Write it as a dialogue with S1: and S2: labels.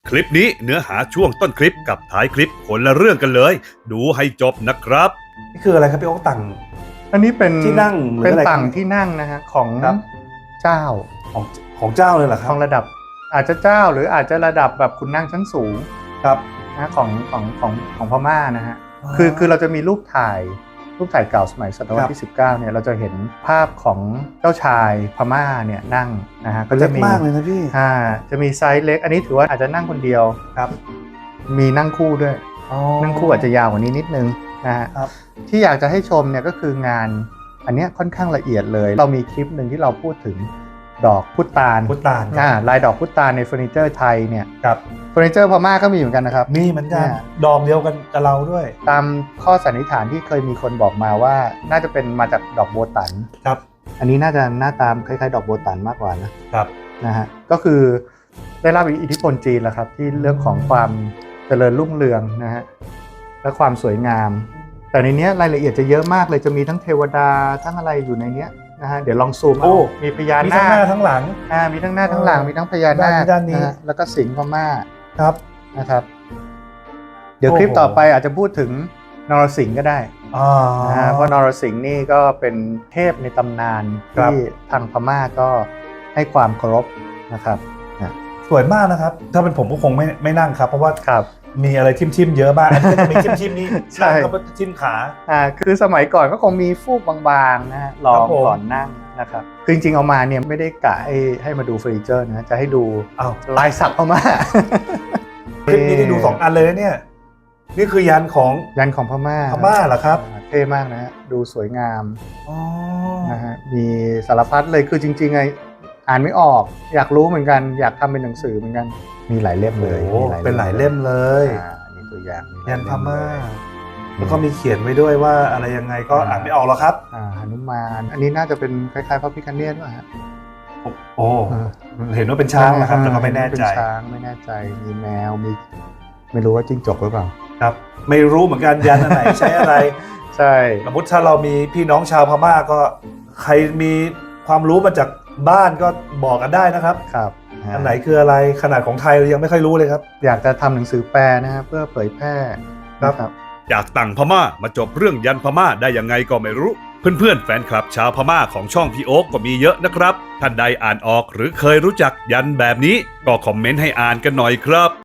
S1: คลิปนี้เนื้อหาช่วงต้นคลิปกับท้ายคลิปคนละเรื่องกันเลย ดูให้จบนะครับ
S2: นี่คืออะไรครับพี่โอ๊คต่าง
S3: อันนี้เป็น
S2: ที่นั่งหรือ
S3: เป็น
S2: อะไร
S3: ต่างที่นั่งนะฮะของ
S2: ครับ
S3: เจ้า
S2: ของเจ้าเลยเหรอค
S3: ข
S2: รับ
S3: องระดับอาจจะเจ้าหรืออาจจะระดับแบบคุณนั่งชั้นสูง
S2: ครับ
S3: นะของพม่านะฮะ
S2: อ๋อ
S3: คือเราจะมีรูปถ่ายเก่าสมัยศตวรรษที่ 19เนี่ยเราจะเห็นภาพของเจ้าชายพม่าเนี่ยนั่งนะฮะก็
S2: เล็
S3: จะ
S2: ก
S3: มี
S2: มากเลยนะพี่
S3: จะมีไซส์เล็ก อันนี้ถือว่าอาจจะนั่งคนเดียว
S2: ครับ
S3: มีนั่งคู่ด้วย นั่งคู่อาจจะยาวกว่านี้นิดนึงนะฮะ
S2: ครับ
S3: ที่อยากจะให้ชมเนี่ยก็คืองานอันเนี้ยค่อนข้างละเอียดเลย เรามีคลิปหนึ่งที่เราพูดถึงดอกพุตาน
S2: พุตานครับ
S3: ลายดอกพุตานในเฟอร์นิเจอร์ไทยเนี่ย
S2: ครับ
S3: เฟอร์นิเจอร์พม่าก็มีเหมือนกันนะครับ
S2: มีเหมือนกัน
S3: เนี่ย
S2: ดอกเดียวกันกับเราด้วย
S3: ตามข้อสันนิษฐานที่เคยมีคนบอกมาว่าน่าจะเป็นมาจากดอกโบตัน
S2: ครับ
S3: อันนี้น่าจะหน้าตามคล้ายๆดอกโบตันมากกว่านะครับ นะฮะก็คือได้รับอิทธิพลจีนแหละครับที่เรื่องของความเจริญรุ่งเรืองนะฮะและความสวยงาม แต่ในเนี้ยรายละเอียดจะเยอะมากเลยจะมีทั้งเทวดาทั้งอะไรอยู่ในเนี้ยนะฮะเดี๋ยวลองซูม
S2: โอ้
S3: เอามีพญา
S2: มี
S3: นา
S2: ทั้งหน้า
S3: ค
S2: ทั้งหลัง
S3: มีทั้งหน้าทั้งหลังมีทั้งพญานาค
S2: ด้านนี้
S3: ะฮะแล้วก็สิงห์พม่า
S2: ครับ
S3: นะครับ เดี๋ยวคลิป
S2: โอ้โห
S3: ต่อไปอาจจะพูดถึงนรสิงห์ก็ได้ นะฮะเพราะนรสิงห์นี่ก็เป็นเทพในตำนาน
S2: ครับ
S3: ที่ทางพม่าก็ให้ความเคารพนะครับนะ
S2: สวยมากนะครับ ถ้าเป็นผมก็คงไม่นั่งครับ เพราะว่า
S3: ครับ
S2: มีอะไรทิมๆเยอะมาก อันนี้ก็จะมีทิมๆนี่
S3: ใช่
S2: นั่งก็ทิมขา
S3: คือสมัยก่อนก็คงมีฟูกบางๆนะฮะรอ
S2: ครับ
S3: ง
S2: ผม
S3: ก่อนนั่งนะครับคือจริงๆเอามาเนี่ยไม่ได้กะให้มาดูเฟอร์นิเจอร์นะจะให้ดู
S2: อ้าว
S3: ลายสักพม่า
S2: คลิปนี้ได้ดู2 อันเลยนะเนี่ย นี่คือยันของ
S3: ยันของพม่า
S2: พม่าเหรอครับ
S3: เท่มากนะฮะดูสวยงาม
S2: อ๋อ
S3: นะฮะมีสารพัดเลยคือจริงๆไงอ่านไม่ออกอยากรู้เหมือนกันอยากทำเป็นหนังสือเหมือนกันมีหลายเล่มเลย
S2: โอ้
S3: มี
S2: เป็นหลายเล่มเลย
S3: มีตัวอย่างมีหล
S2: ยันพม่า
S3: เล่เลย
S2: แล้วก็มีเขียนไว้ด้วยว่าอะไรยังไงก็อ่านไม่ออกหรอกครับ
S3: หนุมานอันนี้น่าจะเป็นคล้ายๆพระพิฆเนศป่ะฮะ
S2: โอ้เห็นว่าเป็นช้างนะครับแต่ก็ไม่แน่ใจ
S3: เป็นช้างไม่แน่ใจมีแมวมีไม่รู้ว่าจิ้งจกหรือเปล่า
S2: ครับ ไม่รู้เหมือนกันยันอันไหนใช้อะไร
S3: ใช่
S2: สมมติถ้าเรามีพี่น้องชาวพม่าก็ใครมีความรู้มาจากบ้านก็บอกกันได้นะครับ
S3: ครับ
S2: อันไหนคืออะไรขนาดของไทยเรายังไม่ค่อยรู้เลยครับ
S3: อยากจะทำหนังสือแปลนะฮะเพื่อเผยแพร่
S2: ครับ
S3: นะครับ
S1: จากต่างพม่ามาจบเรื่องยันพม่าได้ยังไงก็ไม่รู้ เพื่อนๆแฟนคลับชาวพม่าของช่องพี่โอ๊คก็มีเยอะนะครับ ท่านใดอ่านออกหรือเคยรู้จักยันแบบนี้ก็คอมเมนต์ให้อ่านกันหน่อยครับ